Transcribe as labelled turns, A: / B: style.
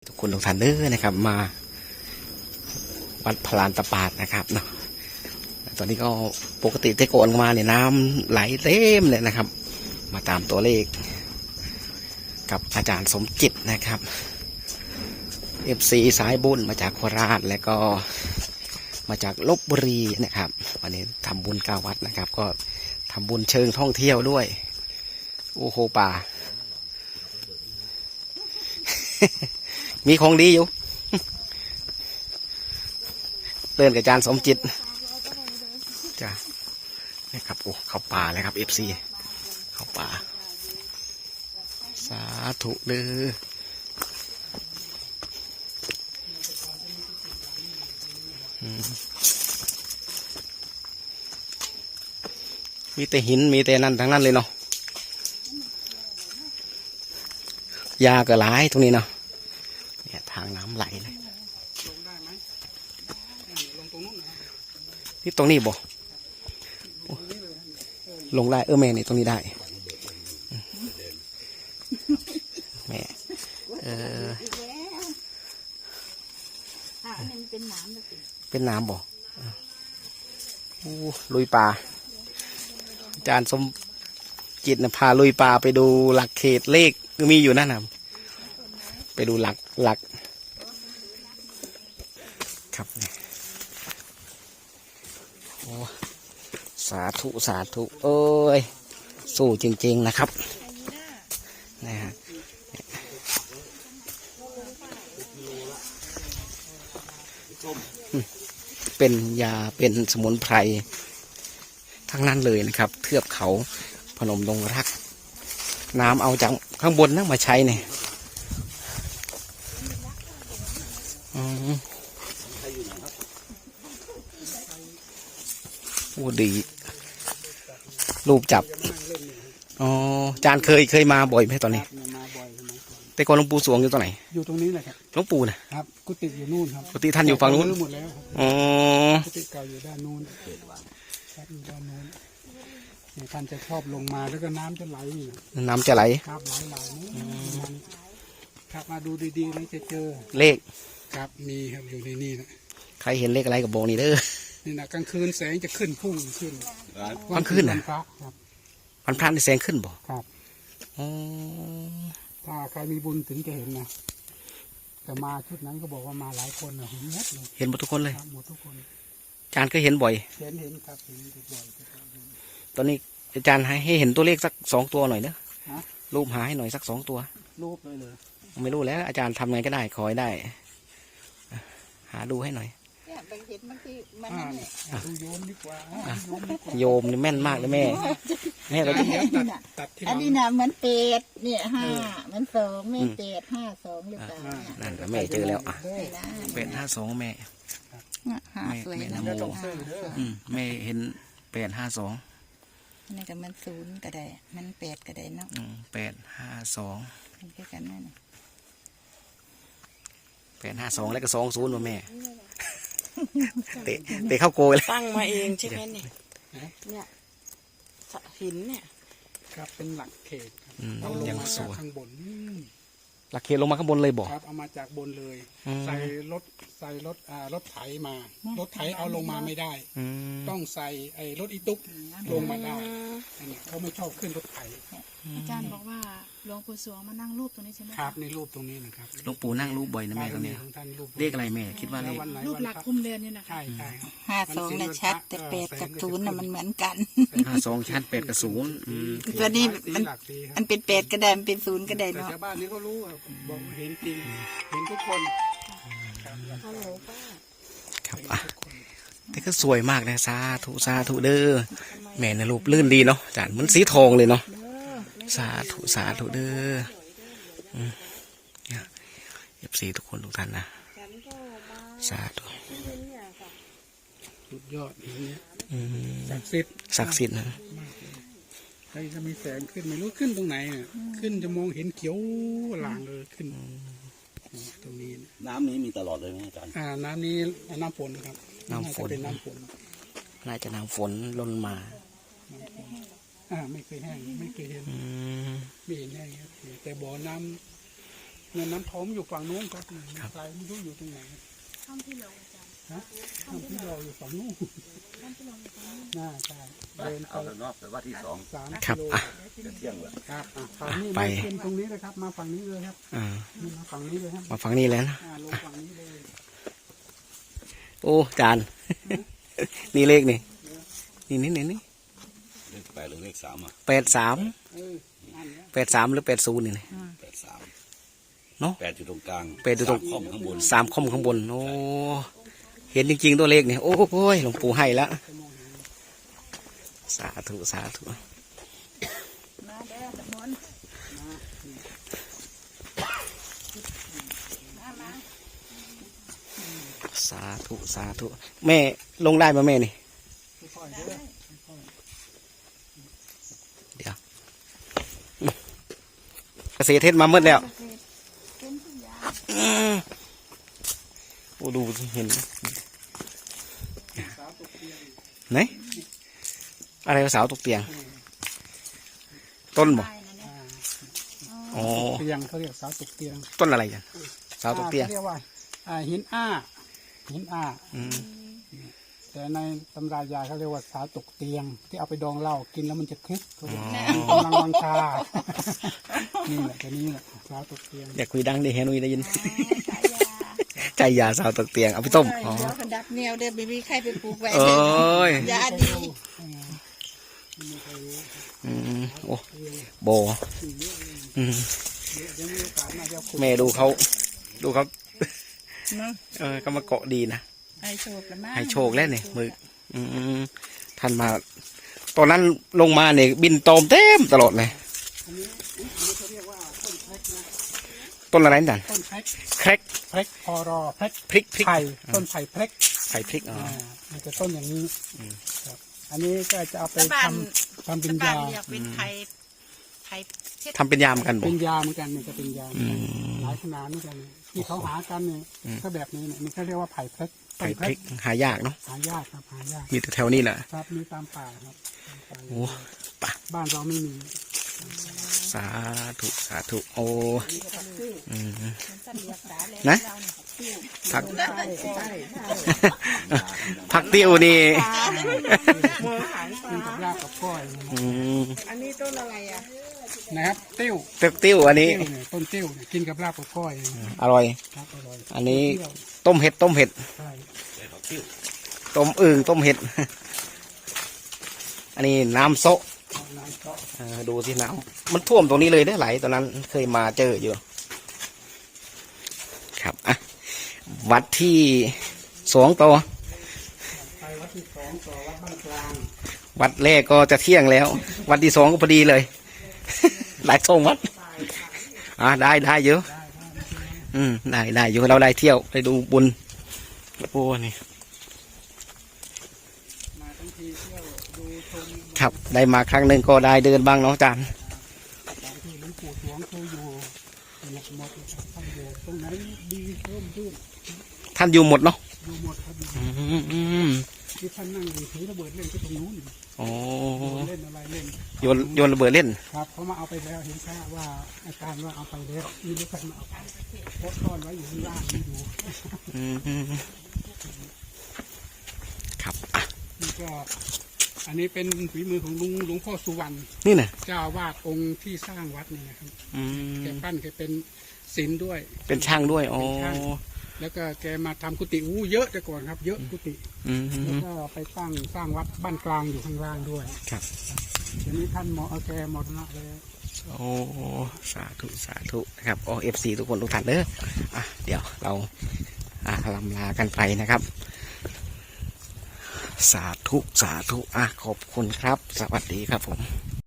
A: ทุกคนทุกท่านเด้อนะครับมาวัดพลานตะปาดนะครับเนาะตอนนี้ก็ปกติแต่ก่อนมาเนี่ยน้ำไหลเต็มเลยนะครับมาตามตัวเลขกับอาจารย์สมจิตนะครับ FC สายบุญมาจากโคราชและก็มาจากลพบุรีนะครับวันนี้ทำบุญ9 วัดนะครับก็ทำบุญเชิงท่องเที่ยวด้วยโอ้โหป่า มีของดีอยู่เตือนกับอาจารย์สมจิตจ้ะนี่ครับโอ้เข้าป่าเลยครับ FC เข้าป่าสาธุเด้อมีแต่หินมีแต่นั่นทั้งนั้นเลยเนาะยาก็หลายตรงนี้เนาะเนี่ยทางน้ำไหลเลยลงได้ไหมลงตรงนู้นนี่ตรงนี้บ่ลงได้แม่นี่ตรงนี้ได้แม่เป็นน้ำบ่ลุยป่าอาจารย์สมจิตนะพาลุยป่าไปดูหลักเขตเลขมีอยู่นั่นนะไปดูหลักครับโอ้สาธุเอ้ยสู้จริงๆนะครับนะฮะเป็นยาเป็นสมุนไพรทั้งนั้นเลยนะครับเทือกเขาพนมดงรักน้ำเอาจากข้างบนนั่งมาใช้เนี่ยโอ้ดีรูปจับอ๋อจานเคยมาบ่อยไหมตอนนี้แต่ก่อนหลวงปู่สวงอยู่ตรงไหน
B: อยู่ตรงนี้แหละครับ
A: หลวงปู่นะครับ
B: กุฏิอยู่นู่นครับ
A: กุฏิท่านอยู่ฝั่งนู้น
B: หมดแล้ว
A: อ๋อ
B: กุฏิเก่าอยู่ด้านนู้นครับอยู่ด้านนู้นท่านจะชอบลงมาแล้วก็น้ำจะไหล
A: น้ำจะไหล
B: ครับไหลครับมาดูดีๆแล้วจะเจอ
A: เลข
B: ครับมีครับอยู่ในนี่นะ
A: ใครเห็นเลขอะไรกับโบนี่เด้อ
B: นี่นะกลางคืนแสงจะขึ้นพุ่งขึ้น
A: กลางคืนนะวันพระนี่แสงขึ้นบ่
B: ครับ
A: อ๋อ
B: ถ้าใครมีบุญถึงจะเห็นนะแต่มาชุดนั้นก็บอกว่ามาหลายคนเห็นหมดเลย
A: เห็นหมดทุกคนเลย
B: หมดทุกคน
A: อาจารย์ก็เห็นบ่อย
B: เห็นครับเห็นบ่อย
A: ตอนนี้อาจารย์ให้เห็นตัวเลขสัก2 ตัวหน่อยเนอะรูปหาให้หน่อยสัก2 ตัว
B: รูปเลย
A: ไม่รู้แล้วอาจารย์ทำไงก็ได้ขอให้ได้หาดูให้หน่อย
B: ดูโยมดีกว่า
A: โยมนี่แม่นมากเลยแม่เราจะ
C: ตัดอันนี้นะมันเป็ดเนี่ย5มัน2แม่เป็ด52หรือเปล่า
A: นั่นแม่เจอแล้วเป็ด52แม่แม่นโมแม่เห็น852
C: นี่ก็มัน0ก็ได้มัน8ก็ได้เนาะ
A: 852
C: เป็นแค่กันนั่น
A: 852แล้วก็20มาแม่เตะเข้าโกยเลย
C: ตั้งมาเองใช่ไหมเนี่ยหินเนี่ย
B: ครับเป็นหลักเขต
A: เอาลงมาจาก
B: ข้างบน
A: หลักเขตลงมาข้างบนเลยบอก
B: ครับเอามาจากบนเลยใส่รถไถมารถไถเอาลงมาไม่ได้ต้องใส่รถอีตุ๊กลงมาได้เขาไม่ชอบขึ้นรถไถ
D: อาจารย์บอกว่าหลวงปู่สวงมานั่งรูปตรงนี้ใช่ไหม
B: ครับในรูปตรงนี้นะครับ
A: หลวงปู่นั่งรูปบ่อยนะแม่ตรงนี้เลขอะไรแม่คิดว่าเลข
D: รูปหลักคุมเรือนนี่นะคะ
B: ใช่
C: 52น่ะชัดแต่8กับ0น่ะมันเหมือนกัน
A: 52ชัด8กับ0
C: ตัวนี้มันเป็น8ก็ได้มันเป็น0ก็ได้เนาะ
B: ชาวบ้านนี้ก็รู้บอกเห็นจริงเห็นทุกคน
A: ครับแต่ก็สวยมากนะสาธุเด้อแม่ในรูปลื่นดีเนาะอาจารย์มันสีทองเลยเนาะสาธุเด้อFC ทุกคนทุกท่านนะสาธุ
B: สุดยอดอย่างเงี้ยศักดิ์สิทธิ์
A: นะ
B: ใครจะมีแสงขึ้นไม่รู้ขึ้นตรงไหนขึ้นจะมองเห็นเขียวหลางเลยขึ้นตรงนี้
E: น้ำนี้มีตลอดเลยไหมอาจารย์
B: น้ำนี้น้ำฝนครับ
A: น้ำฝน
B: เป็นน้ำฝน
A: น่าจะน้ำฝนล้นมา
B: ไม่เคยแห้งไม่เคยเห็นไม่เห็นแห้งแต่บ่อน้ำเนี่ยน้ำทมอยู่ฝั่งนู้นครับไกลไม่รู้อยู่ตรงไหน
D: ถ้ำที่หลวงอาจารย์
B: ฮะถ้ำที่เราอยู่ฝั่งนู้น
D: ถ้ำที่หลวงอยู่ตรงนี้
B: น่าใช่เดินไป
E: เอาแต่นอกแต่ว่าที่สอง
B: 3
A: ครับ
B: กิโล
A: อ่ะ
E: จะเที่ยงแล้ว
B: ครับฝั่งนี้
A: ไป
B: มาขึ้นตรงนี้เลยครับมาฝั่งนี้เลยครับ
A: อ่า
B: นี่มาฝั่งนี้เลยครับ
A: มาฟังนี่แล้วนะ
B: ลงฝั่งนี้เลย
A: โอ้จาน นี่เลขนี่นี่นี่
E: เลข8หรือเลข3อ่ะ
A: 83
B: เออนั่นเนี่ย
A: 83หรือ80นี่นะ
E: 83
A: เนอะ
E: 8อยู่ตรงกลาง
A: 8อยู่ตรง
E: 3ค่อมข้างบน
A: 3 คมข้างบนโอ้เห็นจริงๆตัวเลขนี่โอ้โหหลวงปู่ให้แล้วสาธุสาธุ
C: มาเด้อสมุนมามา
A: สาธุสาธุแม่ลงได้ไหมแม่นี่
B: ค่อยๆเด้อ
A: เดี๋ยวเกษตรเทศมาเมื่อแล้ว
C: เป็นทุกอย่าง
A: โอ้ดูสิเห็น
B: สาวตกเตียง
A: ไหนอะไรวะสาวตกเตียง ต้นบ่
C: ได้นะเนี่ย
A: อ๋อ
B: เตียงเขาเรียกสาวตกเตียง
A: ต้นอะไรกันสาวตกเตียง
B: เขาเรียกว่าหินอ้าหินอ้า
A: อืม
B: แต่ในตำรายาเขาเรียกว่าสาวตกเตียง ที่เอาไปดองเหล้ากินแล้วมันจะคึกเขาเรียกกำลังวังชานี่แหละตัวนี้แหละสาวตกเตียง
A: อยากคุยดังดิเฮนุยได้ยิน
C: ขายยา
A: ใจยาสาวตกเตียงเอาไปต้มอ๋อ
C: เดี๋ยวคนดับแนวเด้อบีบีใครไปปลูกไว้
A: เอ้ย
C: ยาดี
A: อืมโอ้โบอืม
B: เดี๋ยวมีโอกาสมาจะขุด
A: แม่ดูเขา
C: เนาะ
A: ก็มาเกาะดีนะ
C: ให้โชคแล้วมั้ง
A: ให้โชคแล้วเนี่ยมืออืมท่านมา ตอนนั้นลงมาเนี่ยบินตอมเต็มตลอดเลย
B: อันนี้เขาเรียกว่าต้นแพรกนะ
A: ต้นอะไรนั่น
B: ต้นแพรก
A: แครก
B: แพรกพอรอแพรก
A: พริกพริก
B: ไผ่ต้นไผ่แพรก
A: ไผ่พริกอ๋อ
B: มันจะต้นอย่างนี้ครับอันนี้ก็จะเอาไป
C: ชาวบ้าน
B: ทำเป็น
C: ชาวบ้าน
B: ยา
C: เรียกเป็นไทยเทศ
A: ทำเป็นยามกันบ่
B: เป็นยาเหมือนกันเนี่ยจะเป็นยา
A: อืม
B: หลายขนาดเหมือนกันที่เขาหากันเนี่ยก็แบบนี้เนี่ยนี่เขาเรียกว่าไผ่แพรกต้
A: ไผ่
B: น
A: พริกหายากเนาะ
B: หายากครับหายาก
A: มีแต่แถวนี้แหละ
B: ครับมีตามป่าครับตามป่า
A: โอ้ปะ
B: บ้านเราไม่มี
A: สาธุสาธุโอ้อืม
C: สัตว์เลี้ยงสาเลย
A: นะ
C: เราเนี่ยติ้ว
A: ผัก
C: ใช่ใช่
A: ผักติ้วนี่
C: หมูหางป
B: กิน
C: ลา
B: กับรากกับก้อย
A: อืม
C: อันนี้ต้นอะไรอ่ะ
B: นะครับติ้ว
A: ติ้วอันนี้
B: ติ้วเนี่ยต้นติ้วเนี่ยกินกับรากกับก้อย
A: อร่อย
B: ครับอร่อย
A: อันนี้
B: เปรี้ยว
A: ต้มเห็ดต้มเห็ด
B: ใช่
A: ต้มอึ่งต้มเห็ด อันนี้น้ำโซะ
B: น้ำเจาะ
A: ดูที่น้ำมันท่วมตรงนี้เลยได้ไหลตอนนั้นเคยมาเจออยู่ ครับอ่ะวัดที่2ต่อ
B: ไปวัดที่2ต่อวัดบ้านกลาง
A: วัดแรกก็จะเที่ยงแล้ว วัดที่2ก็พอดีเลย หลายทรงวัดได้เยอะได้อยู่เราได้เที่ยวได้ดูบุญโอ้นี่
B: มาทั้งทีเที่ยวดูชม
A: ครับได้มาครั้งหนึ่งก็ได้เดินบ้างเนาะอาจารย์
B: ตามที่หลวงปู่สวงเคยอยู่หมดท่านอยู่ตรงไหนดีเพิ่มขึ้น
A: ท่านอยู่หมดเนาะ
B: อยู่หมดครับ
A: อืม
B: ที่ท่านนั่งอยู่ถือระเบิดเล่นที่ตรงนู้น
A: โอ้
B: เล่นอะไรเล่น
A: โยนระเบิดเล่น
B: ครับเขามาเอาไปแล้วเห็นแค่ว่าอาจารย์ว่าเอาไปแล้วนี่ลูกใครมาเอาไปโพสต์ซ่อนไว้อยู่ข้างล่างนี่ดู
A: อืมครับอ่ะ
B: นี่ก็อันนี้เป็นฝีมือของหลวงพ่อสุวรรณ
A: นี่นะ
B: เจ้าอาวาดองค์ที่สร้างวัดนี่นะครับ
A: อืม
B: แกปั้นแกเป็นศิลป์ด้วย
A: เป็นช่างด้วยโอ้
B: เป็นช่าง แล้วก็แกมาทำกุฏิเยอะแต่ก่อนครับ เยอะกุฏิ
A: อืม
B: แล้วก็ไปตั้งสร้างวัดบ้านกลางอยู่ข้างล่างด้วย
A: ครับ
B: ทีนี้ท่านแกมรณะแล้ว
A: โอ้สาธุสาธุนะครับโอ้FC ทุกคนทุกท่านเด้ออ่ะเดี๋ยวเราลำลากันไปนะครับ สาธุสาธุขอบคุณครับ สวัสดีครับผม